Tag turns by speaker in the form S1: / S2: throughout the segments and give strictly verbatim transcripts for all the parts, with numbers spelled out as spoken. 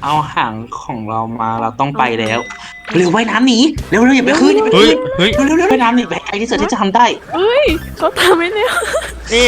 S1: เอาหางของเรามาเราต้องไปแล้วเร็วว่ายน้ำหนีเร็วเร็วอย่าไปขึ้นอย่าไป
S2: เฮ้ย
S1: ขึ้น
S2: เฮ้ย
S1: เร็วเร็วเร็วว่ายน้ำหนีไปไกลที่สุดที่จะทำได้
S3: เฮ้ยเขาทำไม่แล้ว
S2: นี่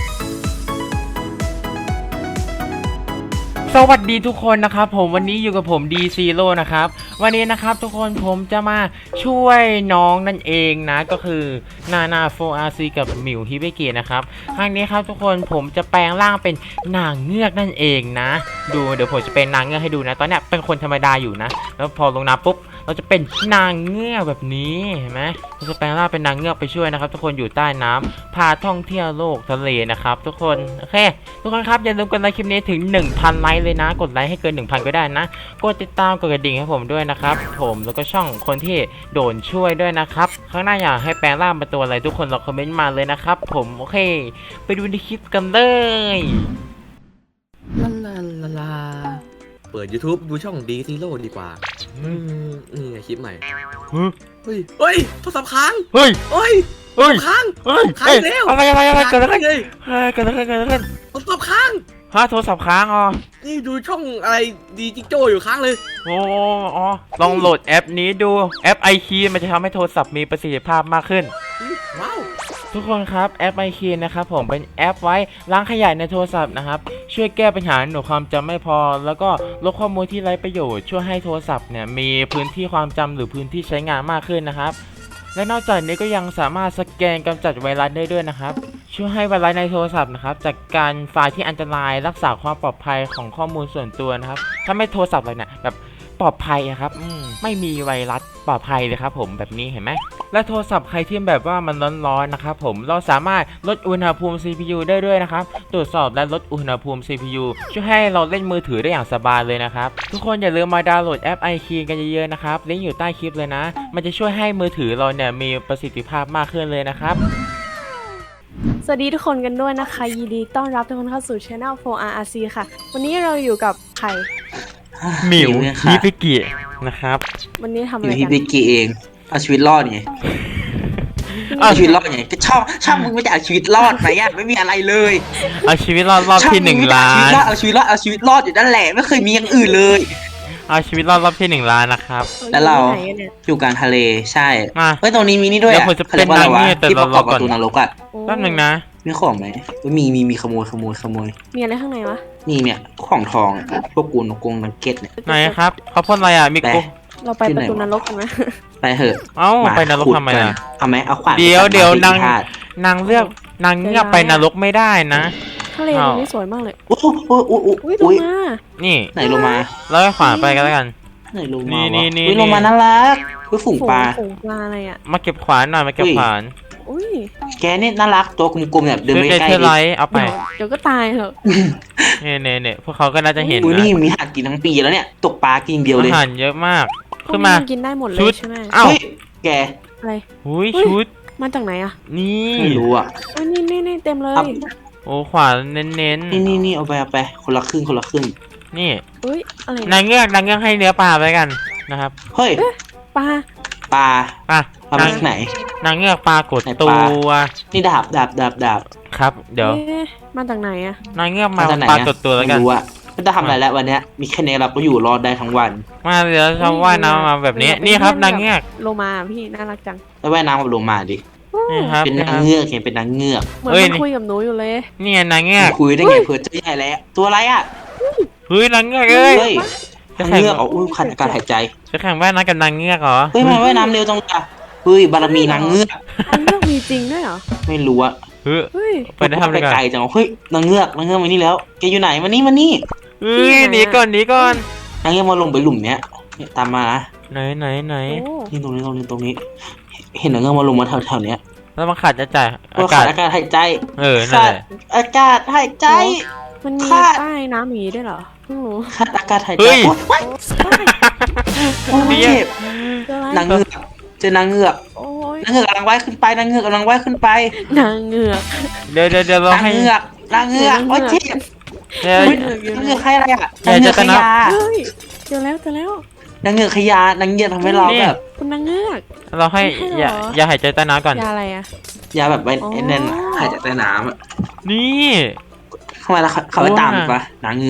S2: สวัสดีทุกคนนะครับผมวันนี้อยู่กับผม D Zero นะครับวันนี้นะครับทุกคนผมจะมาช่วยน้องนั่นเองนะก็คือนานา โฟร์ อาร์ ซี กับหมิวฮิเบเกะนะครับครั้งนี้ครับทุกคนผมจะแปลงร่างเป็นนางเงือกนั่นเองนะดูเดี๋ยวผมจะเป็นนางเงือกให้ดูนะตอนเนี้ยเป็นคนธรรมดาอยู่นะแล้วพอลงน้ำปุ๊บเราจะเป็นนางเงือกแบบนี้เห็นไหมเราจะแปลงร่างเป็นนางเงือกไปช่วยนะครับทุกคนอยู่ใต้น้ำพาท่องเที่ยวโลกทะเลนะครับทุกคนโอเคทุกคนครับอย่าลืมกดไลค์คลิปนี้ถึง หนึ่งพัน ไลค์เลยนะกดไลค์ให้เกิน หนึ่งพัน ก็ได้นะกดติดตามกดกระดิ่งให้ผมด้วยนะครับผมแล้วก็ช่องคนที่โดนช่วยด้วยนะครับข้างหน้าอยากให้แปลงร่างเป็นตัวอะไรทุกคนลองคอมเมนต์มาเลยนะครับผมโอเคไปดูในคลิปกันเลย
S4: ลาลาลาลาเปิด YouTube ดูช่อง D Zero ดีกว่าอืมนี่ไงคลิปใหม่
S2: เฮ้ย
S4: เฮ้ยเฮ้ยโทรศัพท์ค้าง
S2: เฮ้ย
S4: เฮ้ย
S2: เฮ้ย
S4: ค้าง
S2: เฮ้ย
S4: ค้างอีกแล้ว
S2: อะไรอะไรอะไรเกิดอะไร
S4: เลย
S2: เฮ้ยเกิดอะไรเกิดอะไรขึ้น
S4: โทรศัพท์ค้าง
S2: ฮะโทรศัพท์ค้างอ๋อ
S4: นี่ดูช่องอะไรดีจิกโจ้อยู่ค้างเลย
S2: โอ้อ๋อลองโหลดแอปนี้ดูแอป ไอ คี มันจะทำให้โทรศัพท์มีประสิทธิภาพมากขึ้น
S4: ว้าว
S2: ทุกคนครับแอป ไอ คี นะครับผมเป็นแอปไว้ล้างขยะในโทรศัพท์นะครับช่วยแก้ปัญหาหนูความจำไม่พอแล้วก็ลดข้อมูลที่ไร้ประโยชน์ช่วยให้โทรศัพท์เนี่ยมีพื้นที่ความจำหรือพื้นที่ใช้งานมากขึ้นนะครับและนอกจากนี้ก็ยังสามารถสแกนกำจัดไวรัสได้ด้วยนะครับช่วยให้ไวรัสในโทรศัพท์นะครับจากการไฟล์ที่อันตรายรักษาความปลอดภัยของข้อมูลส่วนตัวนะครับถ้าไม่โทรศัพท์เลยเนี่ยแบบปลอดภัยครับอืมไม่มีไวรัสปลอดภัยเลยครับผมแบบนี้เห็นไหมและโทรศัพท์ใครที่แบบว่ามันร้อนๆนะครับผมเราสามารถลดอุณหภูมิ ซี พี ยู ได้ด้วยนะครับตรวจสอบและลดอุณหภูมิ ซี พี ยู ช่วยให้เราเล่นมือถือได้อย่างสบายเลยนะครับทุกคนอย่าลืมมาดาวน์โหลดแอป ไอ คี กันเยอะๆนะครับลิงก์อยู่ใต้คลิปเลยนะมันจะช่วยให้มือถือเราเนี่ยมีประสิทธิภาพมากขึ้นเลยนะครับ
S3: สวัสดีทุกคนกันด้วยนะคะยินดีต้อนรับทุกคนเข้าสู่ Channel โฟร์ อาร์ ซี ค่ะวันนี้เราอยู่กับใคร
S2: หมิว
S1: เนี่ย
S2: ฮิ
S1: ค่ะ
S2: เบเกะนะครับ
S3: วันนี้ทำอะ
S1: อ
S3: ไร
S1: ยู่ที่
S3: กัน
S1: บิกกี้เองเอาชีวิตรอดไง
S3: เอา
S1: เอาชีวิตรอดไงก็ชอบชอบมึงไม่ได้เอาชีวิตรอดไหมอ่ะไม่มีอะไรเลย
S2: เอาชีวิตรอดรอบ
S1: ชอบ
S2: ที่ห
S1: มึ
S2: นึ่ง
S1: ไม่ได้
S2: ล้าน
S1: เอาชีวิตรอดเอาชีวิตรอดเอาชีวิตรอดอยู่นั่นแหละไม่เคยมีอย่างอื่นเลย
S2: เอาชีวิตรอดรอบที่หนึ่งล้านนะครับ
S1: แล้วเรา
S3: อยู่ที่ไหนกันเนี่ย
S1: อยู่กลางทะเลใช่
S2: มา
S1: เฮ้ยตรงนี้มีนี่ด้วย
S2: เดี๋
S1: อ่ะ
S2: ยวผมจะ
S1: เขาเรียกว่าอะไรวะ
S2: เป็นนางเงือกแต่
S1: ที่ประกอบ
S2: เรารอก่
S1: ป
S2: อน
S1: ระตูนรกอ่ะ
S3: โอ้
S2: แป๊บนึงนะ
S1: มีของไหมเฮ้ยมีมีมีขโมยขโมยขโมย
S3: มีอะไรข้างในวะ
S1: นี่เนี่ยของทองอะพวกกูนกกงนังเก็ตเนี่ย
S2: ไหนครับเขาพ่นอะไรอ่ะมิ
S1: ไป
S2: โก
S3: เราไปประตูนรกกันไหม
S1: ไปเถอะ
S2: เอ้า
S1: มา
S2: ไปนรก
S1: ขุด
S2: ทำไม
S1: กัน
S2: อ่ะ
S1: เอาไหมเอาขวาน
S2: เดี๋ยว
S1: ไปตั
S2: เดี๋ยว
S1: ไม้
S2: นาง
S1: ที่ธาตุ
S2: นางเลือกนางเงือกไปนรกไม่ได้นะ
S3: ทะเลตรงนี้สวยมากเลย
S1: โอ้โหโอ้โหโอ้โห
S3: อุ้ยล
S1: อุ้
S3: ง
S1: ย
S3: มา
S2: นี่
S1: ไหนลงมา
S2: แล้วก็ขวานไปกันแล้วกัน
S1: ไหนลง
S2: นี่
S1: มาวะ
S2: นี่นี่
S1: อุ้ย
S2: นี่
S1: ลงมาน่ารักอุ้ยฝูงปลา
S3: ฝูงปลาอะไรอ่ะ
S2: มาเก็บขวานหน่อยมาเก็บ
S1: อุ้ย
S2: ขวาน
S3: อุ้ย
S1: แกนี่น่ารักตัวกลมๆแบบเดิน
S2: ซื้อ
S1: ไป
S2: เก
S1: ใกล้
S2: เทอร์
S1: ดิ
S2: ไลท์เอาไป
S3: เดี๋ยวเดี๋ยวก็ตายเหอะ
S2: เนี่ยเนี่ยเนี่ยพวกเขาก็น่าจะเห็น
S1: อุ้ย
S2: นะ
S1: นี่มีหากินทั้งปีแล้วเนี่ยตกปลากินเดียวเลย
S2: อาหารเยอะมาก
S3: พว
S2: ขึ้
S3: ก
S2: น
S3: นี้
S2: มา
S3: มันกินได้หมดเล
S2: ชุ
S3: ย
S2: ด
S3: ใช่ไหม
S2: เอ้า
S1: เฮ้ยแก
S3: อะไร
S2: หุย
S3: เฮ้ย
S2: ชุด
S3: มาจากไหนอ่ะ
S2: นี่
S1: ไม่รู้อ่ะ
S3: เอ้ยนี่นี่นี่เต็มเลย
S1: ครับ
S2: โอ้ขวานเน้น
S1: นี่นี่นี่เอาไปเอาไปคนละครึ่งคนละครึ่ง
S2: ๆนี่
S3: อุ้ยอะไร
S2: นางเงือกนางเงือกให้เนื้อปลาไปกันนะครับ
S1: เฮ้ย
S3: ปลา
S1: ปลา
S2: อ่ะ
S1: ปลามา
S2: นาง
S1: จากไหน
S2: นางเงือกปลากด
S1: ไหนป
S2: ตั
S1: ลา
S2: ว
S1: นี่ดาบดาบดาบดาบ
S2: ครับ เดี๋ยว
S3: เอ๊ะมาจากไหนอ่ะ
S2: นางเงือกมา
S1: จากไหน
S2: ปลา
S1: อะ
S2: กดตัวแล้วกัน
S1: ไม่รู้อ่ะไม่ต้องทำอะไรแล้ววันเนี้ยมีแค่นี้เราก็อยู่รอดได้ทั้งวัน
S2: มาเดี๋ยวชอบว่ายน้ำมาแบบนี้ นี่ครับนางเงือก
S3: โลมาพี่น่ารักจัง
S1: แล้วว่ายน้ำกับลงมาดิ
S2: นี่ครับ
S1: เป็น
S2: นี่
S1: นา
S2: ค
S1: ง
S2: รับ
S1: เงือกเห็นเป็นนางเงือก
S3: เหมือน
S2: เอ้ย
S3: มันคุยกับหนูอยู่เลย
S2: นี่ไงนางเงือก
S1: คุยได้ไงเผื่อเจะใหญ่แล้ว ตัวอะไรอ่ะ
S2: เฮ้ยนางเงือกเอ้ย
S1: เฮ้ย
S2: จะ
S1: นาง
S2: แข่ง
S1: เงือกอ๋ออุ้ยขัดอากาศหายใจ
S2: จะแข่งว่ายน้ำกับนางเงือกเหรอ
S1: เฮ้ยมันว่ายน้ำเร็วจังเลยอะเฮ้ยบารมีนางเงือก
S3: อันเลือกมีจริงด้วยเหรอ
S1: ไม่รู้อะ
S2: เฮ้ย
S3: เฮ้ย
S2: ไปได้ทำอะไร
S1: ไป
S2: กัน
S1: ไกลจังเฮ้ยนางเงือกนางเงือกมานี่แล้วแกอยู่ไหนมานี่มานี่
S2: เฮ้ยหนีก่อนหนีก่อน
S1: นางเงือกมาลงไปหลุมเนี้ยเนี่ยตามมานะ
S2: ไหนไหนไหน
S3: โอ้
S1: นี่ตรงนี้ตรงนี้ตรงนี้ เห็นนางเงือกมาลงมาแถวๆเนี้ย
S2: แล้วมันขาดจะจ่าย
S1: ก็
S2: อา
S1: ขาด
S2: กาศ
S1: อากาศหายใจ
S2: เออนั่น
S1: ขา
S2: แห
S1: ด
S2: ละ
S1: อากาศหายใจ
S3: มันมี
S1: ค่ะ
S3: ใต้น้ำหมีด้วยเหรอเพิ่งรู้
S1: ขาดอากาศหายใจ
S2: เฮ้ย
S1: โอ๊ยโอ๊ย
S2: เนี่
S1: เจ็
S2: ย
S1: บ
S3: เจออะไร
S1: นางเงือกเจอนางเงือก
S3: โอ้ย
S1: นางเงือกกำลังว่ายขึ้นไปนางเงือกกำลังว่ายขึ้นไป
S3: นางเงือก
S2: เดี๋ยวเดี๋ยวเดี๋ยวเรา
S1: นาง
S2: ให้
S1: เงือกนางเงือกโอ๊ยเจ็บ
S2: เดี๋ยว
S1: เฮ้ยนางเงือกใครอะไรอ่ะ
S2: อย่า
S1: นางเงือก
S2: จะ
S1: ข
S2: นับ
S1: ยา
S3: เฮ้ยเจอแล้วเจอแล้ว
S1: นางเงือกขยานางเงือกทำให้เรา
S2: นี่
S1: แบบ
S3: คุณนางเงือก
S2: เราให้
S3: ไม่ให้
S2: อย่า
S3: เหรอ
S2: อย่าหายใจใต้น้ำก่อน
S3: ยาอะไรอ่ะ
S1: ยาแบบไว้
S3: อ๋อ
S1: ไอ้นั่นน่ะหายใจใต้น้ำอะ
S2: นี่
S1: เข้ามาแล้วเขาเขาไปตามอีกปะนางเงือก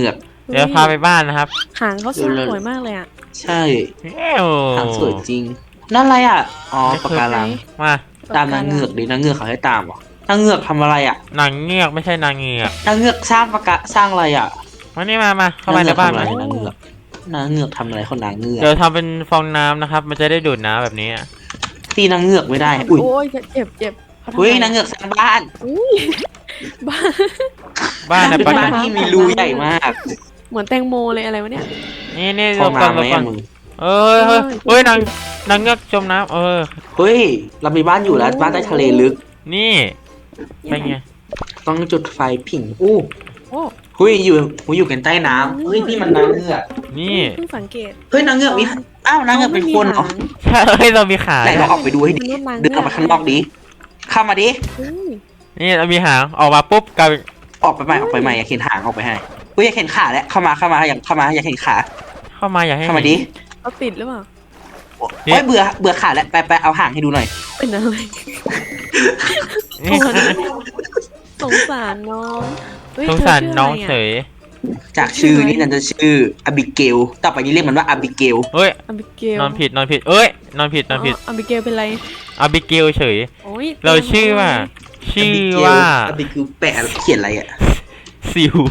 S2: เดี๋ยวพาไปบ้านนะครับ
S3: หางเขาสวยมากเลยอ่ะ
S1: ใช่
S2: เอ้ว
S1: หางสวยจริงนั่นอะไรอ่ะอ๋อปะการัง
S2: มา
S1: ตามนางเงือกดินางเงือกเขาให้ตามเหรอนางเงือกทำอะไรอ่ะ
S2: นางเงือกไม่ใช่นางเงือก
S1: นางเงือกสร้างปะกะสร้างอะไรอ่ะ
S2: มานี่มามาเข้ามาในบ้าน
S1: นาง
S2: มา
S1: เงือกทำอะไรนางเงือกนางเงือกทำอะไรคนนางเงือก
S2: เดี๋ยวทำเป็นฟองน้ำนะครับ มันจะได้ดูดน้ำแบบนี้
S1: ตีนางเงือกไม่ได้อุ้ย
S3: โอ้ยเจ็บเจ็บขาทำ
S1: เฮ้ย
S3: อะไร
S1: นางเงือกสร้างบ้าน
S3: อุ้ยบ้า
S2: บ้านนะ
S1: เป็น
S2: ป้า
S1: บ้านที่มีรูใหญ่มาก
S3: เหมือนแตงโมเลยอะไรวะเนี่ย
S2: นี่นี่
S1: ฟ
S2: ล
S1: อง
S2: งก่อน
S1: น้ำไห
S2: ล
S1: ม
S2: งก่อ
S1: อะ
S2: น
S1: มึง
S2: เอ้ยเฮ้ยเฮ้ยนางนางเงือกจมน้ำเออ
S1: เฮ้ยเรามีบ้านอยู่แล้วบ้านใต้ทะเลลึก
S2: นี่เป็นไง
S1: ต้องจุดไฟผิงอู้
S3: โอ้
S1: เฮ้ยอยู่หูอยู่กันใต้น้ำเฮ้ยนี่มันนางเงือก
S2: นี่
S3: เพิ่งสังเกต
S1: เฮ้ยนางเงือกมีอ้าวนางเงือกเป็นคน
S3: ขา
S1: อ๋อ
S3: ไม่มีหาง
S2: ใช่เฮ้ยเรามีขา
S1: ไหนลองออกไปดูให้ดิ
S3: มนุษย์นางเงือก
S1: เดินออกไปข้างนอกดิเข้ามาดิ
S3: อุ้ย
S2: นี่เรามีหางออกมาปุ๊บกลายเป็น
S1: ออกไปใหม่ออกไปใหม่อยากเห็นหางออกไปให้เฮ้ยอยากเห็นขาแล้วเข้ามาเข้ามาอยากเข้ามาอยากเห็นขา
S2: เข้ามาอยากให้
S1: เข้ามา
S2: เห็น
S1: ดิ
S3: เขาติดหรือเปล่า
S2: นี่
S1: โอ้ยเบื่อเบื่อขาแล้วไปไปเอาหางให้ดูหน่อย
S3: เป็นอะไร
S2: นี่
S3: สงสารน้องเฮ้ย
S2: สงสาร
S3: เธชื่ะไะ
S2: น้องเฉย
S1: จากชื่อนี่นันจะชื่ออบิเกลต่อไปนี้เรียกมันว่าอบิเกล
S2: เฮ้ย
S3: อบิเกล
S2: นอนผิดนอนผิดเอ้ยนอนผิดนอนผิด
S3: อบิเกลเป็นไร
S2: อาบิเกลเฉย
S3: โอ้ย
S2: เราชื่อว่า ชื่อว่า
S1: อบิเกลแปะเขียนอะไรอ่ะ
S2: ซิว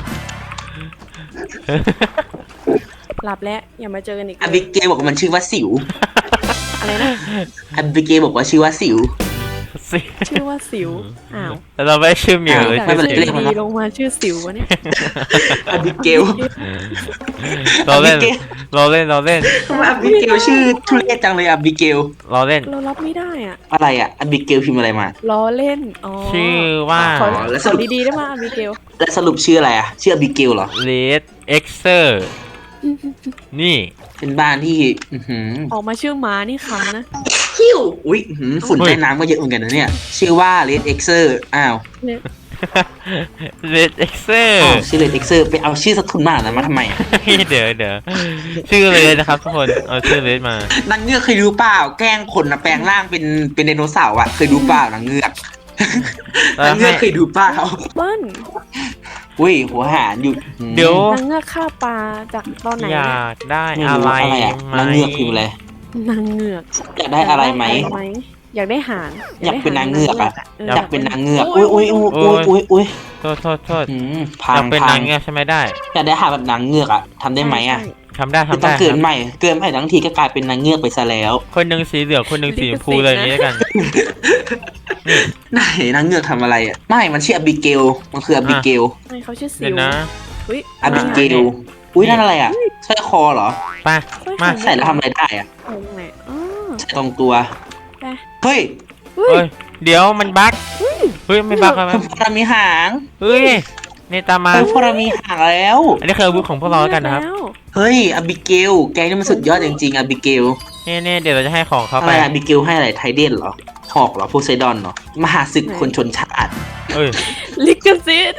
S3: หลับแล้วอย่ามาเจอกันอีก
S1: อบิเกลบอกว่ามันชื่อว่าสิว
S3: อะไรนะ
S1: อบิเกลบอกว่าชื่อว่าสิว
S2: ซิ
S3: ชื่อว่าสิวอ้าว
S2: แต่เราไม่ได้ชื่อเหมียวเลย
S3: จาก
S1: ไม่เป็นไร
S3: ชื่อ
S1: เรียกมัน
S3: ดี
S1: ว่า
S3: ๆลงมาชื่อสิววะเนี่ย
S1: อบิเกล
S2: เราเล่น
S1: อบิเกล
S2: เราเล่นเราเล่น
S1: ทำไมอบิเกลชื่อทุเรศจังเลยอบิเกล
S2: เราเล่น
S3: เรารับไม่ได้อ่ะ
S1: อะไรอ่ะอบิเกลพิมพ์อะไรมา
S3: ล้อเล่นอ๋อ
S2: ชื่อว่า
S3: ขอ
S1: แล้ว
S3: ข
S1: ส
S3: อ
S1: รุป
S3: ดีๆได้ไหมอบิเกล
S1: แล้วสรุปชื่ออะไรอ่ะชื่ออบิเกลเหรอ
S2: เลดเอ็กเซอร์ นี่
S1: เป็นบ้านที่อื้อหือ
S3: ออกมาชื่อหมานี่ขำนะ
S1: ฮิวอุ้ยอื้อหือฝุ่น
S2: อุ้ย
S1: ใต้น้ำก็เยอะเหมือนกันนะเนี่ย ชื่อว่าเลดเอ็กเซอร์อ้าว
S3: เนี่ย
S2: เลดเอ็กเซอร์
S1: อ้าวชื่อเลดเอ็กเซอร์ไปเอาชื่อสกุลมานะมาทำไมอะ
S2: เดี๋ยวเดี๋ยวชื่อเลดนะครับทุกคน เอาชื่อเลดมา
S1: นางเงือกเคยรู้เปล่าแกล้งคนนะแปลงร่างเป็นเป็นไดโนเสาร์อ่ะเคยรู้เปล่านางเงือก
S2: แล้ว
S1: นางเงือก
S2: ให้
S1: เคยดูเปล่า
S3: เบิ้ล
S1: อุ้ยหัวหารอยู่หืม
S2: เดี๋ยว
S3: นางเงือกฆ่าปลาจากตอนไหน
S2: อ
S3: เนี่ย
S2: ยากได้
S1: ไม่
S2: อะ
S1: รู้
S2: ไร
S1: อะไรอ่ะ
S2: ไหม
S1: นางเงือกพิมพ์อะไร
S3: นางเงือก
S1: อยากได้อะไรไหม
S3: อยากได้หาง
S1: อยากเป็นนางเงือกอะ
S3: เออ
S1: อยากเป็นนางเงือกอุ้ยอุ้ยอุ้ยอุ้ยอุ้ยอุ้ย
S2: โทษโทษโทษ
S1: หืม
S2: อ
S1: พั
S2: ยาง กเป็น
S1: พั
S2: นาง งเงือกใช่ไหมได้
S1: อยากได้หาแบบนางเงือกอ่ะทำได้ไหมอ่ะ
S3: ใช่
S2: ทำได้
S1: คือ
S2: ทำ
S1: ต้อ
S2: ได้
S1: งเกิ
S2: คน รับ
S1: ใหม่เกินใหม่ทั้งทีก็กลายเป็นนางเงือกไปซะแล้ว
S2: คนหนึ่งสีเหลืองคนหนึ่งสีชมพูเลยางนี้แล้วกัน นี่
S1: ไหนนางเงือกทำอะไรอ่ะไม่มันชื่ออบิเกลมันคืออบิเกล
S3: ใช่เขาชื่อสิ
S2: เดี๋ยว
S3: ว
S2: นะ
S3: อุ้ย
S1: อบิเกลอุ้ยนั่นอะไรอ่ะสร้อยคอเหรอ
S2: ไปมา
S1: ใส่แล้วทำอะไรได้อ่ะ
S3: ตรงไหนอ๋อ
S1: ใส่ตรงตัว
S3: ไป
S1: เฮ้ย
S3: เฮ้ย
S2: เฮ้ย เดี๋ยวมันบั๊กเฮ้ยไม่บั๊กแล้ว
S1: พวกเรามีหาง
S2: เฮ้ยนี่ตามมา
S1: เฮ้ยพวกเรามีหางแล้ว
S2: อันนี้คืออาวุธของพวกเราแล้วกันนะครับ
S3: แล้ว
S1: เฮ้ยอบิเกลแกนี่มันสุดยอดจริงๆอบิเกล
S2: นี่นี่เดี๋ยวเราจะให้ของเขา
S1: อะ
S2: ไป
S1: ไรอบิเกลให้อะไรไทเดนเหรอหอกเหรอโพไซดอนเหรอมหาศึกคนชนชาติ
S2: เอ้ย
S3: ลิกซิต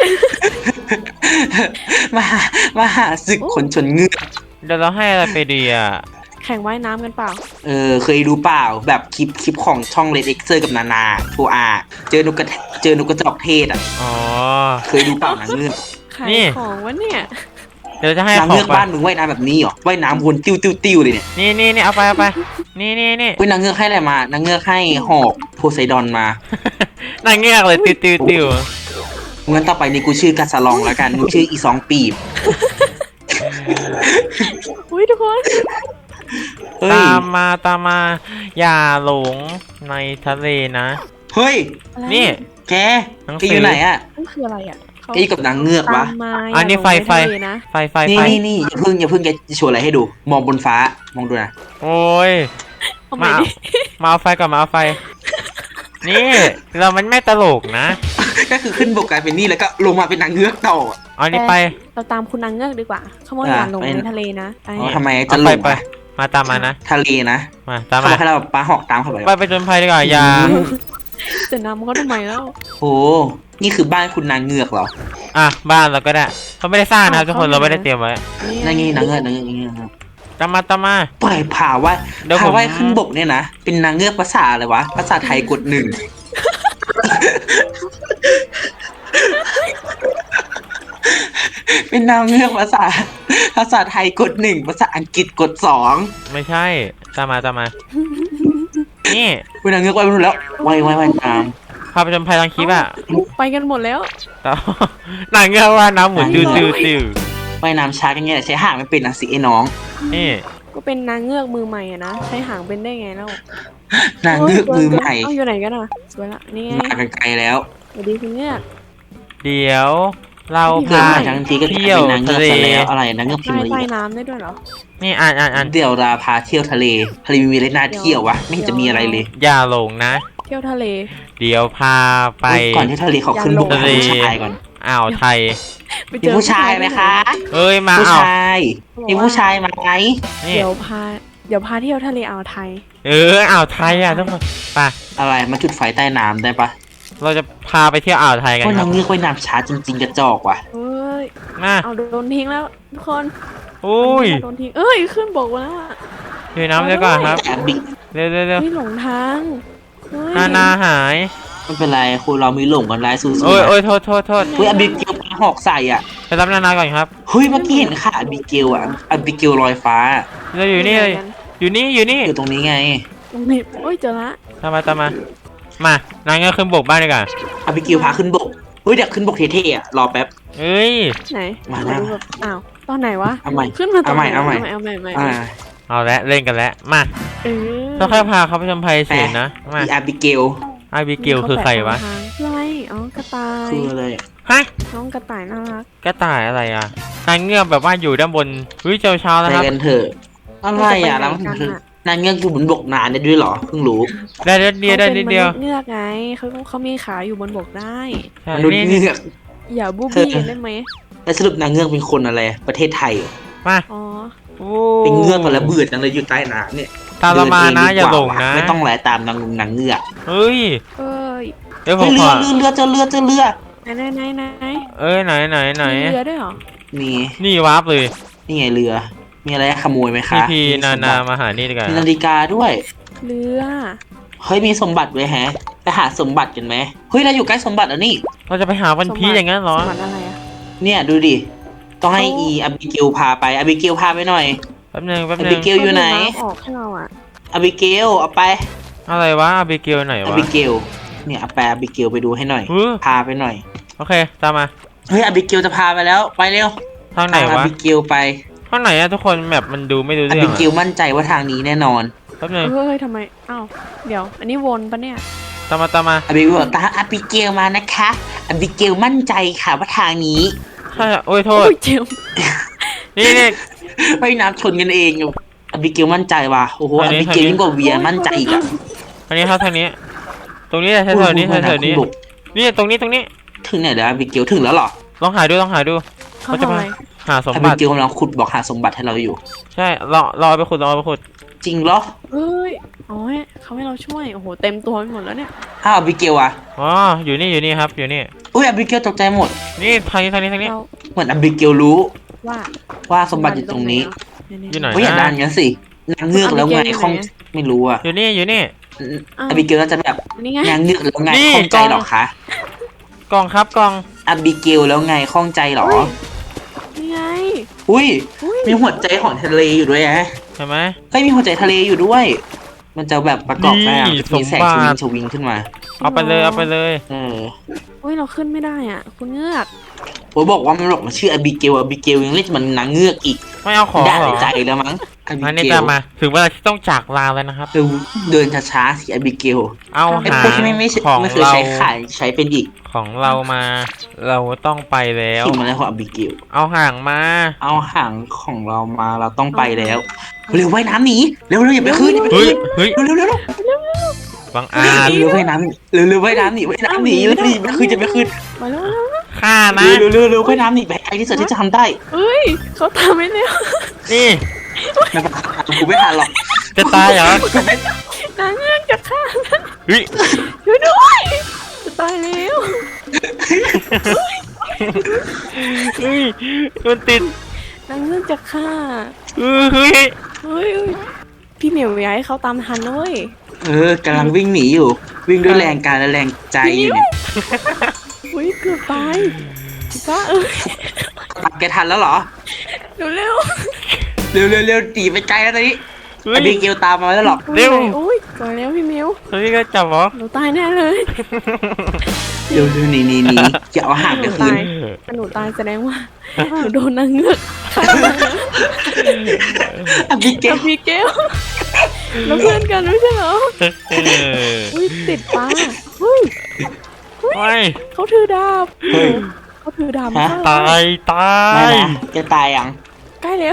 S1: มหามหาศึกคนชนเงือก
S2: เดี๋ยวเราให้อะไรไปดีอ่ะ
S3: แข่งว่ายน้ำกันเปล่า
S1: เออเคยดูเปล่าแบบคลิปคลิปของช่องเลดเอ็กเซอร์กับนานาโทอาเจอนกกระเจอนกกระจอกเทศอ่ะ
S2: อ๋อ
S1: เคยดูเปล่านางเงือก
S3: ขาย
S2: นี่
S3: ของวะเนี่ย
S2: เดี๋ยวจะให้
S1: นาง
S2: ขอ
S1: เงื
S2: ง
S1: อก
S2: ไป
S1: บ้านมึงว่ายน้ำแบบนี้เหรอว่ายน้ำวนติ้วติ้วติ้วเลยเนี่ย
S2: นี่นี่นี่เอาไปเอาไป นี่นี่นี่
S1: เฮ้ยนางเงือกให้อะไรมานางเงือกให้หอกโพไซดอนมา
S2: นางเงือกเลยติวติวติว
S1: งั้นต่อไปนี่กูชื่อกาสลองแล้วกันมึงชื่ออีสองปีบ
S3: อุ้ยทุกคน
S1: เฮ้ย
S2: ตามมาตามมา อย่าหลงในทะเลนะ
S1: เฮ้ย
S3: อะไร
S2: นี่
S1: แก
S2: หนัง
S1: แก
S2: สือ
S1: อยู่ไหนอ่ะ
S3: นั่นคืออะไรอ่ะเขา
S1: แกอยู่กับนางเงือกวะ
S3: ตามมา
S2: อันนี้ไฟ
S3: อย่าลง
S2: ไฟ
S3: ในทะเลนะ
S2: ไฟไฟ
S1: นี่
S2: ไฟ
S1: นี่นี่อย่าเพิ่งอย่าเพิ่งแกจะโชว์อะไรให้ดู มองบนฟ้ามองดูนะ
S2: โอ้ย
S3: เอาใหม่
S2: มา
S3: ดิ
S2: มาเอาไฟก่อนมาเอาไฟ นี่เรามันไม่ตลกนะ
S1: ก็คือขึ้นบกกลายเป็นนี่แล้วก็ลงมาเป็นนางเงือกต่อ
S2: เอานี่ไป
S3: เราตามคุณนางเงือกดีกว่าเขาบอก
S1: อ่ะ
S3: อย่าลง
S1: ไป
S3: ในทะเลนะไป
S1: อ๋อทำไม
S2: เอา
S1: จะห
S2: ไป
S1: ลง
S2: ไป
S1: อะ
S2: มาตามมานะ
S1: ทะเลนะ
S2: มาตาม
S1: เขาบ
S2: มา
S1: อกให้เราปลาหอกตามเข้าไป
S2: ไปไปจนภัยดีกว่าอย่า
S1: อืม
S3: จะนำเขาทำไมแล้ว
S1: โอ้นี่คือบ้านคุณนางเงือกเหรอ
S2: อ่ะบ้านเราก็ได้เขาไม่ได้สร้างนะครับทุกคนเราไม่ได้เตรียมไว้
S1: นั่นไงนางเงือกนางเงือกนางเงือก
S2: ตามมาตามมา
S1: ปล่อยผ่าว่า
S2: เดี๋ยวผม
S1: ผ่าว่ายขึ้นบกเนี่ยนะเป็นนางเงือกภาษาอะไรวะภาษาไทยกดหนึ่ง นเป็นนางเงือกภาษาภาษาไทยกดหนึ่งภาษาอังกฤษกดสอง
S2: ไม่ใช่ตามมาตามมานี่
S1: เป็นนางเงือกไว้หมดแล้วไว้ไว้ไว้น้
S2: พาไปชมภัยทางคลิปอ่ะ
S3: ไปกันหมดแล้ว
S2: ต่อหนังเงือกว่าน้ำหมุนติ้วติ้วติ้ว
S1: ำไว้น้ำช้ากันไงแต่ใช้ห่างไม่เป็นนะสิไอ้น้อง
S2: นี่
S3: ก็เป็นนางเงือกมือใหม่อะนะใช้หางเป็นได้ไงแล้ว
S1: นางเงือกมือใหม่
S3: เอาอยู่ไหนกันอ่ะสวยละนี่ไง
S1: มากันไกลแล้ว
S3: สวัสดีคุณเงือก
S2: เดี๋ยวเรา
S1: เกิด
S2: พา
S1: มาทั้งทีก็จะ
S2: เที่ยว
S1: เป็นนางเงื
S2: ทะ
S1: อก
S2: เล
S1: ซะแล้วอะไรนางเงือกพิม
S3: ใต้
S1: พ์
S3: ใต้
S1: ลี
S3: น้ำได้ด้วยเหรอ
S2: นี่อ่านอ่านอ่าน
S1: เดี๋ยวราพาเที่ยวทะเลทะเลมีอะไรน่าเที่ยววะไม่เห็นจะมีอะไรเลย
S2: อย่าหลงนะ
S3: เที่ยวทะเล
S2: เดี๋ยวพาไป
S1: ก่อนที่ทะเลเขาขึ้นบก
S3: อย่าลง
S1: หาผู้ชายก่อน
S2: อ่าวไทย
S3: ไป
S1: มีผู้ชายไหมคะ
S2: เอ้ยมา
S1: ผู้
S2: อ่าว
S1: ชายมีผู้ชายไหม
S2: นี่
S3: เดี๋ยวพาเดี๋ยวพาเที่ยวทะเลอ่าวไทย
S2: เอออ่าวไทยอ่ะทุกคนไป
S1: อะไรมาจุดไฟใต้น้ำได้ปะ
S2: เราจะพาไปเที่ยวอ่าวไทยกัน
S1: ว่า
S2: ครั
S1: นา
S2: บ
S1: งเงือกว่ายน้ำช้าจริง ๆ กระจอกว่ะ
S3: เอ้ย
S2: มา
S3: เอาโดนทิ้งแล้วทุกคน
S2: อุ้ย
S3: โดนทิ้งเอ้ยขึ้นบกมาแล้วอ่ะ
S2: เดี๋ยวน้ำเดี๋ยวก่อนครับ
S1: แต่บิ๊ก
S2: เร็วเร็วเร็ว
S3: ไม่หลงทางเฮ้ย
S2: นานาหาย
S1: ไม่เป็นไรคุณเรามีหลงกันไล่สู้ๆ
S2: โอ้ย
S1: นะ
S2: โอ้ยโทษโทษโทษ
S1: เฮ้ยอบิเกลปลาหอกใส่อ่ะ
S2: ไปรับนานาก่อนครับ
S1: เฮ้ยเมื่อกี้เห็นค่ะอบิเกลอ่ะอบิเกลลอยฟ้า
S2: เราอยู่นี่เลยอยู่นี่อยู่นี่
S1: อยู่ตรงนี้ไง
S3: ตรงนี้โอ้ยเจอละ
S2: ตามมาตามมามานางเงือกขึ้นบกบ้านดีกว่า
S1: อบิเกลพาขึ้นบกเฮ้ยเดี๋ยวขึ้นบกเท่ๆอ่ะรอแป๊บ
S2: เอ้ย
S3: ไหน
S1: มา
S3: ข
S1: แล้
S3: อ
S1: ว
S3: ดูแบบอ้าวตอนไหนวะ
S1: เอาใหม่
S3: ขึ้นมาตอนไหน
S1: เอาใหม่
S3: เอาใหม่เอาใหม่
S1: อ่า
S2: เอาละเล่นกันแล้วมา
S3: เออ
S2: ค่อยๆพาเขาไปชมภัยเสียนะมา
S1: อีอบิเกล
S2: ไอบิเกลคือใครวะ
S3: คืออะไรอ๋อกระต่าย
S1: คืออะไร
S2: ฮะ
S3: น้องกระต่ายน่ารัก
S2: กระต่ายอะไรอ่ะนางเงือกแบบว่าอยู่ด้านบนเฮ้ยเจ้าเช้า
S1: ไป
S2: แล้วครับ
S1: กันเถอะอะไรอ่ะแล้วมันคือนางเงือกอยู่บนบกนานได้ด้วยเหรอเพิ่งรู้
S2: ได้นิดเดียวได้นิดเดียว
S3: ขาป็นมนุษเงือกไงเขาเขามีขาอยู่บนบกได้
S2: ใช่
S1: มนุษย์
S2: นี่
S1: เงือก
S3: อย่าบูบี้กันได้ไหม
S1: แล้วสรุปนางเงือกเป็นคนอะไรประเทศไทยเหรอ
S2: มา
S3: อ๋อ
S2: โอ้
S1: เป็นเงือกมาแล้วเบื่อจังเลยอยู่ใต้น้ำเนี่ย
S2: ตามเรามานะ
S1: เดิ
S2: อย่า
S1: เดี
S2: หล
S1: ก
S2: ง
S1: ว่
S2: นะ
S1: ไม่ต้องแลตามนางนางเงือก
S2: เฮ้ย
S3: เอ้ย
S2: เดี๋ยวผ
S1: เฮ้ย
S2: ม
S1: เรื
S2: ข
S1: อ
S2: อ
S1: เรือเรือเจอเรือเจอเรือ
S3: ไหนไหนไหนไหน
S2: เอ้ยไหนไหนไหน
S3: มีเรือด้วยเหรอ
S1: มี
S2: นี่วาร์ปเลย
S1: นี่ไงเรือ มีอะไรให้ขโมยไหม
S2: พี
S1: คะ
S2: พี
S1: มี
S2: นา
S1: สม
S2: นา
S1: บัติ
S2: มาหานี่ดีกว่า
S1: มีนาฬิกาด้วย
S3: เรือ
S1: เฮ้ยมีสมบัติไว้แฮะไปหาสมบัติกันไหมเฮ้ยเราอยู่ใกล้สมบัติแล้วนี่
S2: เราจะไปหาวันพีชอย่างนั้นเหรอ
S3: สมบัติอะไรอะ
S1: เนี่ยดูดิต้องให้อีอบิเกลพาไปอบิเกลพาไปหน่อย
S2: แป๊บนึงแป๊บ
S1: อ
S2: นึ
S1: บิ
S2: ง
S1: เกลอยู่ไหน
S3: เขาดูำออกให้เราอ่ะ
S1: อบิเกลเอาไป
S2: อะไรวะอาบิเกลไหน
S1: อ
S2: วะ
S1: บิเกลเนี่ยเอาไปอบิเกลไปดูให้หน่อย
S2: เฮ้ย
S1: พาไปหน่อย
S2: โอเคตามมา
S1: เฮ้ยอบิเกลจะพาไปแล้วไปเร็ว
S2: ทางไหน
S1: พาอ
S2: วะ
S1: บิเกลไป
S2: ข้างไหนอะทุกคนแมปมันดูไม่รู้
S1: อ
S2: เรื่อง
S1: บิ
S2: อะ
S1: เกลมั่นใจว่าทางนี้แน่นอน
S2: แป๊บนึง
S3: เฮ้ยทำไมอ้าวเดี๋ยว อันนี้วนปะเนี่ย
S2: ตามมาตามมา
S1: อบิเกลบอกตามอบิเกลมานะคะอบิเกลมั่นใจค่ะว่าทางนี้
S2: ใช่อะโอ้ยโท
S3: โอ้
S2: ษ
S3: ยเจ็บ
S2: นี่นี่
S1: ไปน้ำชนกันเองอบิเกลมั่นใจว่ะโอ้โห
S2: ทา
S1: อง
S2: นี้
S1: บิเกล
S2: ทางนี้
S1: ยิ่งกว่าเวียมั่นใจอีกอ่ะ
S2: ทางนี้ครับทางนี้ ตรงนี้แหละแถวๆนี้แถวๆนี้
S1: บุก
S2: นี่ตรงนี้ตรงนี้
S1: ถึงไหนแล้วอบิเกลถึงแล้วเหรอ
S2: ลองหาดูลองหาดู
S3: เขา
S2: เขาจะ
S3: ทำ
S2: มา
S3: อะไร
S2: หาสม
S1: อ
S2: บั
S1: บิ
S2: ติ
S1: เกลกำลังขุดบอกหาสมบัติให้เราอยู่
S2: ใช่รอรอไปขุดรอไปขุด
S1: จริงเหรอ
S3: เฮ้ยอ๋อเขาให้เราช่วยโอ้โหเต็มตัวไปหมดแล้วเนี่ย
S1: อ้าวอบิเกลอ่ะ
S2: อ๋ออยู่นี่อยู่นี่ครับอยู่นี่
S1: อุ้ยอบิเกลตกใจหมด
S2: นี่ทางนี้ทางนี้ทางนี้
S3: เรา
S1: เหมือนอบิเกลรู้
S3: ว่า
S1: ว่าสมบัติอยู่ตรงนี้
S2: อยู่ไหน
S1: เฮ้ยอย่าดันงั้นสินางเงือกแล้วไงข้องไม่รู้อ่ะ
S2: อยู่นี่อยู่นี่
S1: อบิเกลน่าจะแบบ
S3: นี่ไง
S1: นางเงือกแล้วไง
S2: นี่
S1: ข้องใจเหรอคะ
S2: กล่องครับกล่อง
S1: อบิเกลแล้วไงข้องใจเหรอ
S3: นี่ไง
S1: อุ้ย
S3: อุ้ย
S1: มีหัวใจของทะเลอยู่ด้วยฮะ
S2: เห็นไหม
S1: เฮ้ยมีหัวใจทะเลอยู่ด้วย มันจะแบบประกอบได้อะ
S2: นี่
S1: มีแสง
S2: ส
S1: ช
S2: มบั
S1: วิง
S2: ติ
S1: ชวิงขึ้นมา
S2: เอาไปเลยเอาไปเลย
S1: เออ
S3: อุ้ยเราขึ้นไม่ได้อ่ะ คุณเงือก
S1: โอ้ยบอกว่ามันบอกมันชื่ออบิเกลอบิเกลยังเรียกมันนางเงือกอีก
S2: ไม่เอาของ
S1: ได้
S2: เหรอ
S1: ใจแล้วมั้งอบิ
S2: มานี่
S1: เก
S2: ตา
S1: ล
S2: มมาถึงเวลาที่ต้องจากลาแล้วนะครับ
S1: เดินเดินช้าๆสิอบิเกล
S2: เอา
S1: ไอ้
S2: หา
S1: พวกที่ไม่ไม่ใช่
S2: ของ
S1: ไม่เคย
S2: เรา
S1: ใช้ขายใช้เป็นอีก
S2: ของเรามา เราต้องไปแล้ว
S1: ที่มาแล้วของอบิเกล
S2: เอาห่างมา
S1: เอาหางของเรามาเราต้องไปแล้วเร็วว่ายน้ำหนีเร็วเร็วอย่าไปขึ้นอย่าไป
S2: เฮ้ย
S1: ขึ้น
S2: เฮ้ย
S1: เร็วเร็วเร็วเร็ว
S2: บังอาจ
S1: เร็วว่ายน้ำเร็วเร็วว่ายน้ำหนีว่ายน้ำหนีเร็วหนีไม่ขึ้นจะไม่ขึ้น
S3: มาแล้วมาแล้ว
S2: ฆ่านะ
S1: เร็วเร็วเร็วว่ายน้ำหนีไปไกลที่สุดที่จะทำได้
S3: เอ้ยเขาทำไม่แล้ว
S2: นี่
S1: ไม่เป็นไรกูไม่ทันหรอก
S2: จะตายเหรอ
S3: นางเงือกจะฆ่า
S2: เฮ้ย
S3: ช่วยด้วยจะตายแล้ว
S2: เฮ้ยมันติด
S3: นางเงือกจะฆ่า
S2: เออเฮ้ย
S3: เฮ้ยเฮ้ยพี่เหมียวอยากให้เขาตามทันนะเว้ย
S1: เออกำลังวิ่งหนีอยู่ วิ่งด้วยแรงกายและแรงใจอยู่เนี่ย
S3: อุ้ยเกือบตายป้าเอ้ย
S1: ตามแกทันแล้วเหรอ
S3: เร็วเร็ว
S1: เร็วเร็วเร็วตีไปไกลแล้วตอนนี้
S2: เฮ้
S1: ไอย บิเกลตามมาแล้วหรอก
S2: เร็ว
S3: อุ้ยก่อนแล้วพี่มิว
S2: เฮ้ยก็จับเหรอ
S3: หนูตายแน่เลย
S1: เร็วเร็วหนีหนีหนีอย่าเอาห่างไปคืน
S3: ถ้าหนูตายแสดงว่าหนูโดนนางเงือก
S1: อบิเกล
S3: กับพี่เกลแล้วเพื่อนกันไม่ใช่เหรอ
S2: เออ
S3: อุ้ยติดปลาเฮ้ย
S2: ไม่
S3: เขาถือดาบ
S1: เฮ้ย
S3: เขาถือดาบ
S1: ฮะ
S3: มา
S2: ตายตา
S1: ไม่
S2: ย
S1: นะจะตายยัง
S3: ใกล้แล้ว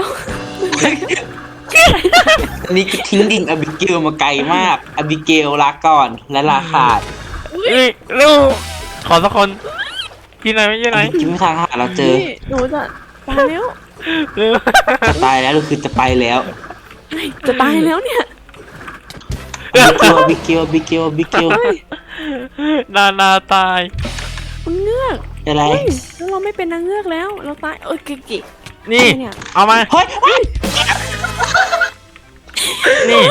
S1: อันนี้คือทิ้งดิ่งอบิเกลมาไกลมากอบิเกลลาก่อนและลาขาด
S2: เฮ้ยเร็วขอสักคนที่ไหนไม่ใช่ไหน
S1: คิดไม่ทางหาเราเจอ
S3: นี่หนูจะตายแล้ว
S2: เร็ว
S1: จะตายแล้วเราคือจะไปแล้ว
S3: จะตายแล้วเนี่ย
S1: อบิเกลอบิเกลอบิเกลอบิเกล
S2: นานาตาย
S3: คุณเงือก
S1: อะไร
S3: เฮ้ยแล้วเราไม่เป็นนางเงือกแล้ว เราตายเอ้ยกิกิ
S2: นี่
S3: เนี่ย
S2: เอามา
S1: เฮ้ยเฮ้ย
S2: นี่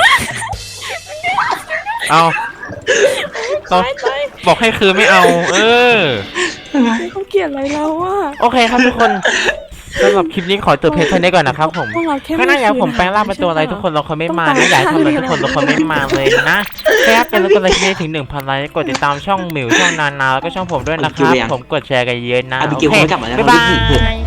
S2: เอาต้อง
S3: ตายตาย
S2: บอกให้คือไม่เอา เออ
S3: เขาเกลียดอะไรเราอ่ะ
S2: โอเคครับทุกคนสำหรับคลิปนี้ขอจบเพียงเท่านี้ก่อนนะครับผม
S3: พวกเราแค่
S2: ก็น่าอยากให้ผมแปลงร่างเป็นตัวอะไรทุกคนเราคนไม่มานะอยากให้ทำอะไรทุกคนเราคนไม่มาเลยนะแค่เป็นแล้วก็เลยคลิปนี้ถึงหนึ่งพันไลค์กดติดตามช่องหมิวช่องนานาแล้วก็ช่องผมด้วยนะครับผมกดแชร์กันเยอะนะ
S1: อบิ
S2: โอ
S1: เกล
S2: เค
S1: ไม่กลับมาแล้ว
S2: บ๊ายบาย